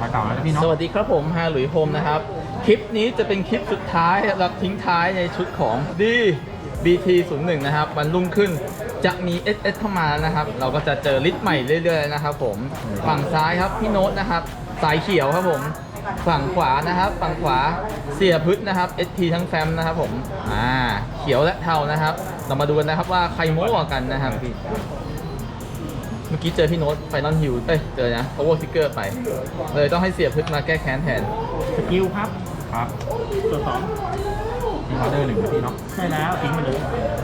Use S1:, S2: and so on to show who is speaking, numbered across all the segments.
S1: มาเก่าแล้วนะพี่เนาะ
S2: สวัสดีครับผมฮาหลุยโฮมนะครับ คลิปนี้จะเป็นคลิปสุดท้ายเราทิ้งท้ายในชุดของBT01 นะครับวันรุ่งขึ้นจะมี SS เข้ามานะครับ เราก็จะเจอลิสต์ใหม่เรื่อยๆนะครับผมฝั่งซ้ายครับพี่โน้ตนะครับสายเขียวครับผมฝั่งขวานะครับฝั่งขวาเสียพึษนะครับ SP ทั้งแฟมนะครับผมเขียวและเทานะครับ เรามาดูกันนะครับว่าใครโม้กว่ากันนะครับเมื่อกี้เจอพี่โน้ตไฟนอลฮิวเจอนะ Power Sticker ไปเลยต้องให้เสียพึษมาแก้แค้นแทน
S3: สกิลครับ
S1: ครับ
S3: ส่วนสอง
S1: มีออเดอร์หนึ่งนะพี่เนาะ
S3: ใช่แล้วทิ้งไปเลย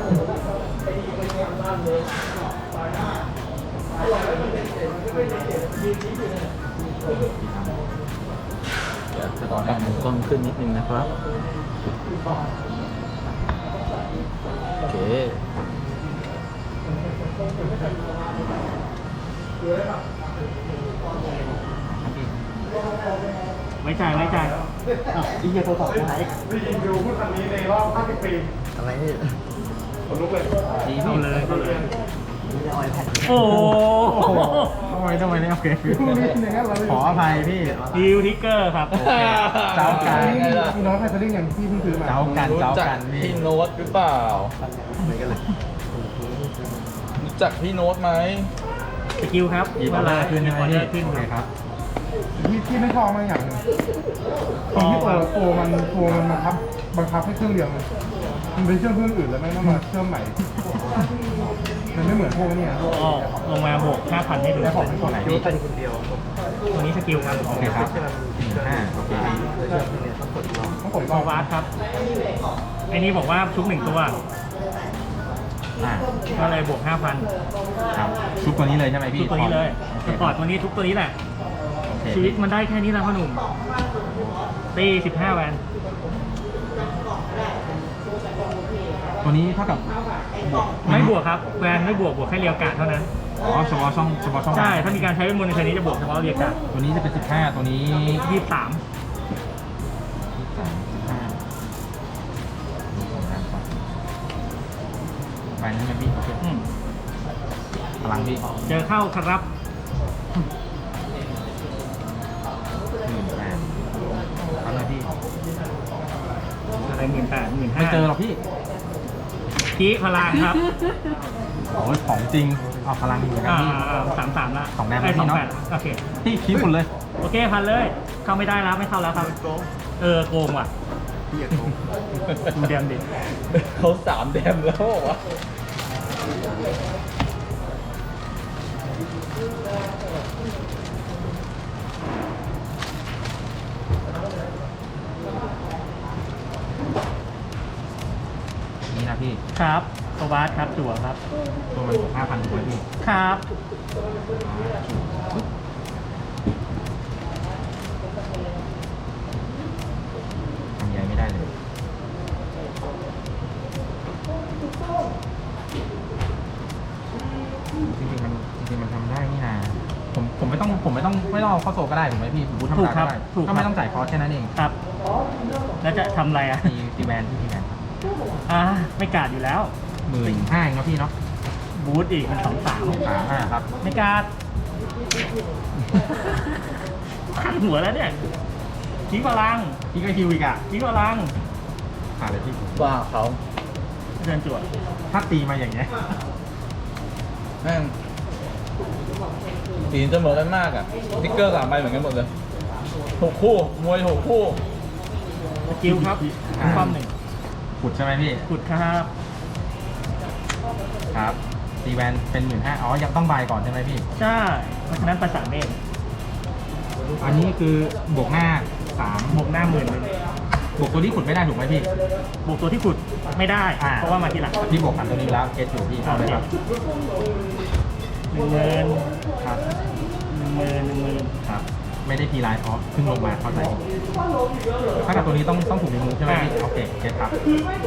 S2: เดี๋ยวจะต้องปรับมุมกล้องขึ้นนิดนึงนะครับ โอเค
S3: ไม่จ่ายไม่จ่ายอีเหี้ยโทรศัพท์ไหน
S4: ดูพูดคำนี้ในรอบ50 ปี
S1: อะไรนี่
S4: ขนลุกเลย
S1: ดี
S3: เข้า
S1: พี่
S3: เลยเข้าเลยโอ้โห
S1: ทำไมเนี่ยโอเคขออภัยพี่
S3: ดิวทิกเกอร์ครับ
S1: เจ้ากัน
S4: พี่น้องไทยสลิงอย่างที่เพิ่งซื้อมา
S1: เจ้ากัน
S2: รู้
S1: เจ้า
S2: จัก
S1: กันพี่
S2: พี่โน้ตหรือเปล่ารู้จักพี่โน้ตไหม
S3: สกิลครับ
S1: หยิบออเดอร์ขึ้น
S3: หยิ
S1: ใช่
S3: บ
S1: ไหม
S3: ออเด
S1: พี่
S3: อร์ขึ้น
S1: โอเคครับ
S4: ที่ไม่ชอบมาอย่างหนึงตรงที่ตัวมันบังคับให้เครื่องเดียวมันเป็นเครื่องอื่นแล้วไม่ต้องมาเชื่อมใหม่ มันไม่เหมือนพวกนี้
S3: อ๋อลงมาบวก 5,000 ให้ดู
S4: แล้วของเป็นตัวไหนพี่
S3: ตัวนี้สกิลครับ
S1: โอเคครับโอเคพี่
S4: ต้องกด
S3: พอวาร์ดครับไอ้นี้บอกว่าชุบ1 ตัว ก็เลยบวก 5,000
S1: ครับชุบตัวนี้เลยใช่ไหม
S3: ทุ
S1: พี่
S3: กตัวนี้เลย
S1: โอเค
S3: สปอร์ตตัวนี้ทุกตัวนี้แหละ
S1: โอเค
S3: ชีวิตมันได้แค่นี้แล้วพ่อหนุ่มตี15 แวน
S1: ตัวนี้เท่ากับ
S3: ไม่บวกครับแวนไม่บวกแค่เรียวกาดเท่านั้น
S1: อ๋อเฉพาะช่อง
S3: ใช่ ถ้ามีการใช้เวทมนต์ในเทอร์นี้จะบวกเฉพาะเรียวกาด
S1: ตัวนี้จะเป็น15ตัวนี้
S3: 23
S1: ไปนั้นไหมพี่โอเค
S3: อืม
S1: พลังพี่
S3: เจอเข้าครับ
S1: 18ครับนะพี่
S3: อะไร18,000
S1: ไม่เจอหรอกพี่
S3: กี้พลังครับ
S1: โอ้ยของจริงเอาพลังอยู่เหมือนกันพี่
S3: 33ละ
S1: สองแต้ม
S3: ไอ้
S1: พี่เนอะ
S3: 28โอเค
S1: พี่คิดหมดเลย
S3: โอเคพันเลย เข้าไม่ได้แล้วไม่เข้าแล้วครับโกงว่ะดูเดมดิ
S2: เขา3 แดมแล้วเหรอวะ
S1: นี่นะพี่
S3: ครับโซบาสครับจั่วครับ
S1: ตัวมันบวก5,000ถูกไหมพี่
S3: ครับ
S1: ทำใหญ่ไม่ได้เลยจริงๆมันทำได้นี่นะผมไม่ต้องเอาเข้าโซก็ได้ถูกไหมพี่ผมบูทธรรมดาก็ได้ก็ไม่ต้องจ่ายคอร์สแค่นั้นเอง
S3: ครับ แล้วจะทำอะไรอ่ะ
S1: ตีแวนพี่ตีแวน
S3: ไม่กาดอยู่แล้ว
S1: 15,000เองเนาะพี่เนาะ
S3: บูทอีกเป็น23
S1: ครับ
S3: ไม่กาดขันหัวแล้วเนี่ยทิ้งพลัง
S1: พี่ก็ฮิวอีกอ่ะ
S3: ทิ้งพลัง
S1: ผ่านเลยพี่
S2: ว่าเขา
S3: เดินจั่ว
S1: ถ้าตีมาอย่างเงี้ย
S2: แม่งสีจะเหมือนกันมากอ่ะสติ๊กเกอร์3 ใบเหมือนกันหมดเลยถูกคู่มวยถูกคู่
S3: สกิลครับความหนึ่ง
S1: ขุดใช่ไหมพี่
S3: ขุดครับ
S1: ครับตีแวนเป็น15,000อ๋อยังต้องบายก่อนใช่ไหมพี่
S3: ใช่เพราะฉะนั้นประสานเมฆ
S1: อันนี้คือบวกหน้า3
S3: บวกหน้า10,000เลย
S1: บวกตัวที่ขุดไม่ได้ถูกไหมพี่
S3: บวกตัวที่ขุดไม่ได้ เพราะว่ามาทีหลัง
S1: พี่บวกกันตัวนี้แล้วเกตอยู่พี่เอาเลยครับ
S3: 10,000
S1: ครับ
S3: 10,000
S1: ครับ ไม่ได้ทีไลน์เพราะเพิ่งลงมาเข้าใจถ้ากับตัวนี้ต้องถูกรีมูฟใช่ไหมพี่โอเคเกตครับโอเค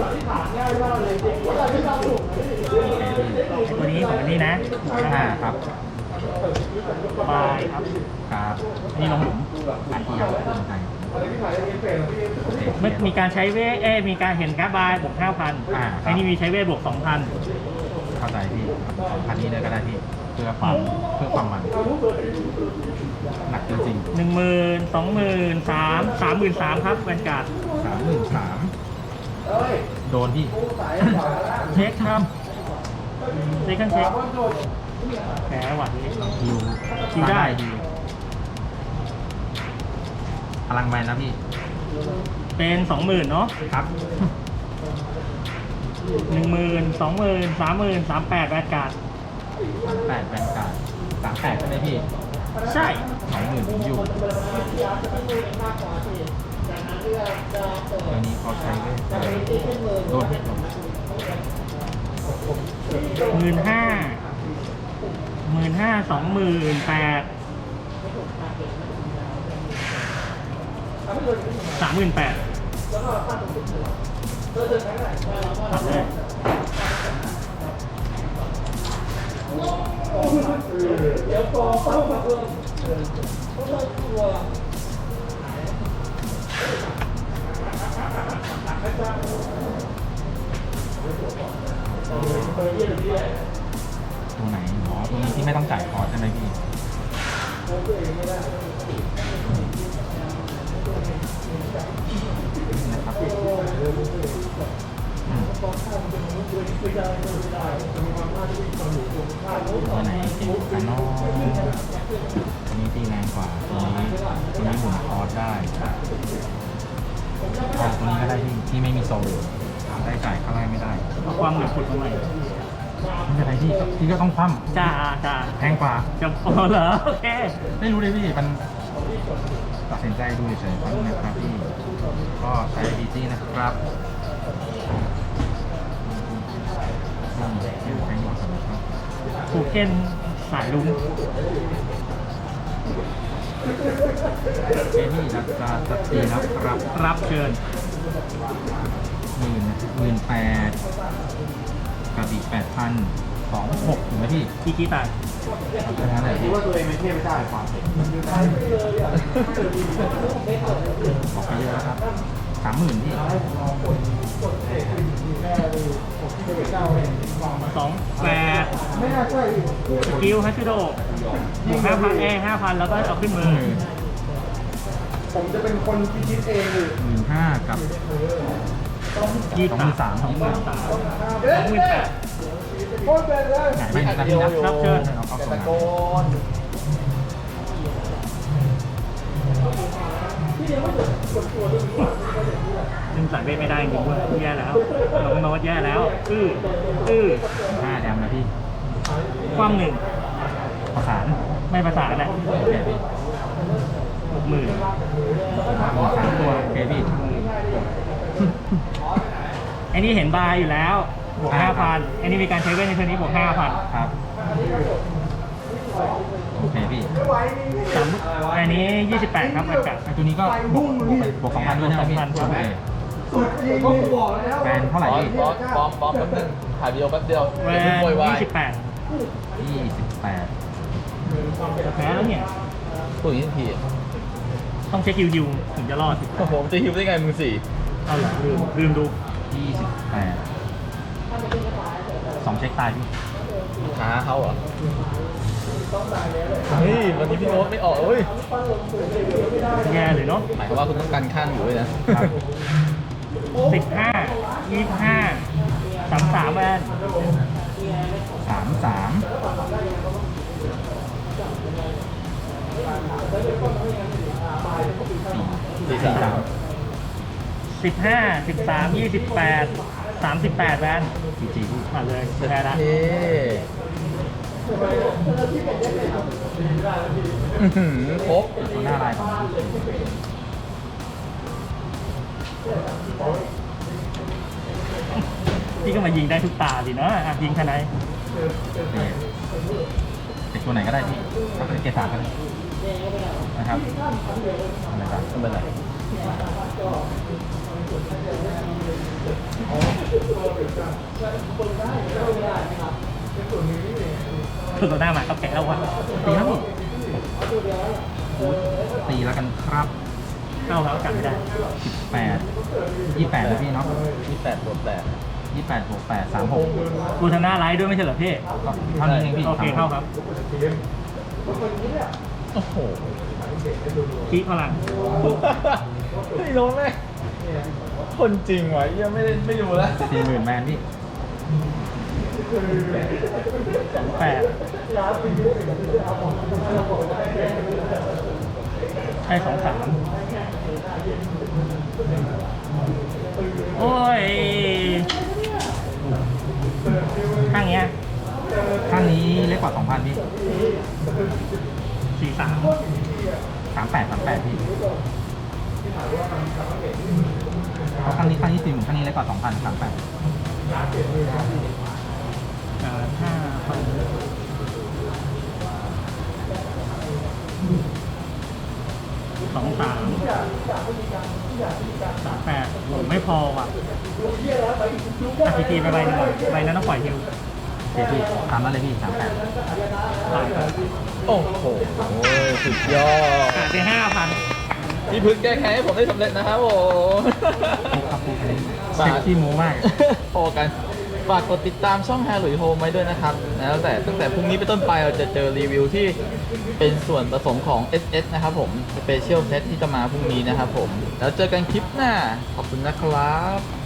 S1: พี่
S3: ตัวนี้ของอันนี้นะ
S1: ครับ
S3: บายครับ
S1: ครับ
S3: นี่ลงหลุม
S1: หลายทีครับโอเค
S3: เมื่อมีการใช้เวทมีการเห็นการ์ดบายบวก 5,000
S1: ครับ
S3: ไอ้นี่มีใช้เวทบวก 2,000
S1: เข้าใจพี่2,000นี้เลยก็ได้พี่เพื่อความมันหนักจริง
S3: 10,000 20,000 33,000ครับแวนการ์ด
S1: ๆ33,000โดนพี่
S3: เช็คครับเช็คกันเช็คแพ้หวัดนี้
S1: ฮิว
S3: ฮิวได้
S1: ฮิวพลังแมนนะพี่
S3: เป็น 20,000เนาะ
S1: ครับ
S3: 10,000 20,000 30,000 38แวนการ์ด
S1: 8แบนการ์ด38ใช่ไหมพี่
S3: ใช่
S1: 20,000ผมอยู่ตัวนี้เขาใช้ด้วยโดนพี่
S3: 15,000 28,000 38,000เลย
S1: ตัวไหนอ๋อตัวนี้ที่ไม่ต้องจ่ายคอร์สใช่ไหมพี่นะครับตัวไหนเก่งกว่าน้องตัวนี้ตีแรงกว่าตัวนี้หมุนคอร์สได้เอาตัวนี้ก็ได้ที่ไม่มีโซลได้จ่ายข้างล่างไม่ได้
S3: เอาความเหนือขุดมาใหม่
S1: ไม่เป็นไรพี่ก็ต้องคว่ำ
S3: จ้า
S1: แพงกว่า
S3: จะพอเหรอ โอเค
S1: ไม่รู้เลยพี่มันตัดสินใจดูเฉยๆนะครับพี่ก็ใช้บีจี้นะครับใช้หมดครับ
S3: ผูกเก้นสายลุ้ง
S1: เจนี่จะตีนะครับ
S3: รับเชิญ
S1: 18,000กับอีก8,000 26ถูกไหมพี่
S3: อีกีตา
S1: แค่นั้นแหละพี่
S4: ว่าตัวเองไม่เทียบไม่ได้ความเป็น
S1: ออกไปเยอะแล้วครับ30,000พี่
S3: 28
S4: ไม่น่าใช่
S3: สกิลฮัตชิโดบวก5,000 แล้วก็เอาขึ้นมือ
S4: ผมจะเป็นคนพิชิตเองเลย
S1: 15,000กับ
S3: 23,000
S4: โคตรเป็นเลย
S1: หงายไปนาทีนะ
S3: รับเชิญ
S1: เราเข้า
S2: แต่
S1: โซ
S2: ตะ
S1: น
S2: โกน
S3: ซึ่งสายเวทไม่ได้จริงด้วยแย่แล้วน้องโน้ตแย่แล้ว
S1: 5แดมนะพี่
S3: ความหนึ่ง
S1: ประสาน
S3: ไม่ประสานแหละ
S1: โอเคพี่
S3: 60,000
S1: 3ตัวโอเคพี่
S3: ไอ้นี่เห็นบายอยู่แล้วบวก 5,000 ไอ้นี่มีการใช้เวทในเทอร์นี้บวก 5,000
S1: ครับโอเคพี่
S3: อันนี้ 28 ครับอากาศ
S1: ไอ้ตัวนี้ก็บวก2,000ด้วยใช่ไหมพี่
S3: 2,000
S1: โอเค
S4: สุดจริงก็บอกแล้ว
S1: แบนเท่าไหร่พี่
S2: บอมแป๊บนึงถ่ายวิดีโอแป๊บเดียว
S3: แว
S2: เดี๋ยวโวยวาย
S3: 28
S1: 28
S3: แพ้แล้วเนี่ย
S2: พูดอย่างนี้ทันที
S3: ต้องเช็คคิวถึงจะรอด
S2: โอ้โหจะฮิวได้ไงมึงสี่
S3: เอาเหรอลืมดู
S1: 28 2เช็คตายพี่
S2: หาเขาเหรอเฮ้ยวันนี้พี่โน้ตไม่ออกเฮ้ย
S3: แย่เลยเนาะ
S2: หมายความว่าคุณต้องการข้างอยู่ด้วยนะ
S3: 15 25 33แวน
S1: 33
S3: 15 13 28 38แวน
S1: 4G พี่
S3: มาเลยแพ้ละ
S2: เฮ้ครบ
S1: ตัวหน้าลายของ
S3: พี่ก็มายิงได้ทุกตาดิเนาะอ่ะยิงทนาย
S1: เป็นตัวไหนก็ได้พี่ถ้าเป็นเกสาก็ได้นะครับอะไรครับ
S2: ไม่เป็นไร
S3: ตัวหน้ามาก็แพ้แล้ววะ
S1: ตีครับพี่ตีแล้วกันครับ
S3: เข้าแล้วกลับไม่ได้
S1: 18 28นะพี่เนาะ
S2: 28 บวก 8
S1: 28 บวก 8 36
S3: กูชนะไลฟ์ด้วยไม่ใช่เหรอพี่
S1: ก็เท่านี้เองพี่
S3: โอเคเข้าครับ
S2: โอ้โห
S3: คีพลัง
S2: ไม่รู้เลยคนจริงวะยังไม่รู้แล้ว
S1: 40,000แมนพี่
S3: 28ใช่23โอ้ยข้างเนี้ย
S1: ข้างนี้เล็กกว่า 2,000 พี่
S3: 43
S1: 38พี่เพราะข้างนี้40,000ข้างนี้เล็กกว่า 2,000 38
S3: โอ้ไม่พอว่ะทีไปใบหนึ่งใบนั้นต้องปล่อยฮิว
S1: โอเคพี่ตามนั้นเลยพี่ 38
S3: ผ่านครับ
S2: โอ้โหสุดยอด
S3: ขาดไป5,000
S2: พี่พึ่งแก้แค้นให้ผมได้สำเร็จนะครับผม
S1: ปุ๊บครับปุ๊บอันนี้เซ็กซี่โมมาก
S2: พอกันฝากกดติดตามช่องแฮร์หลุยโฮมไว้ด้วยนะครับแล้วแต่ตั้งแต่พรุ่งนี้ไปนต้นไปเราจะเจอรีวิวที่เป็นส่วนผสมของ SS นะครับผมสเปเชียลเซตที่จะมาพรุ่งนี้นะครับผมแล้วเจอกันคลิปหน้าขอบคุณนะครับ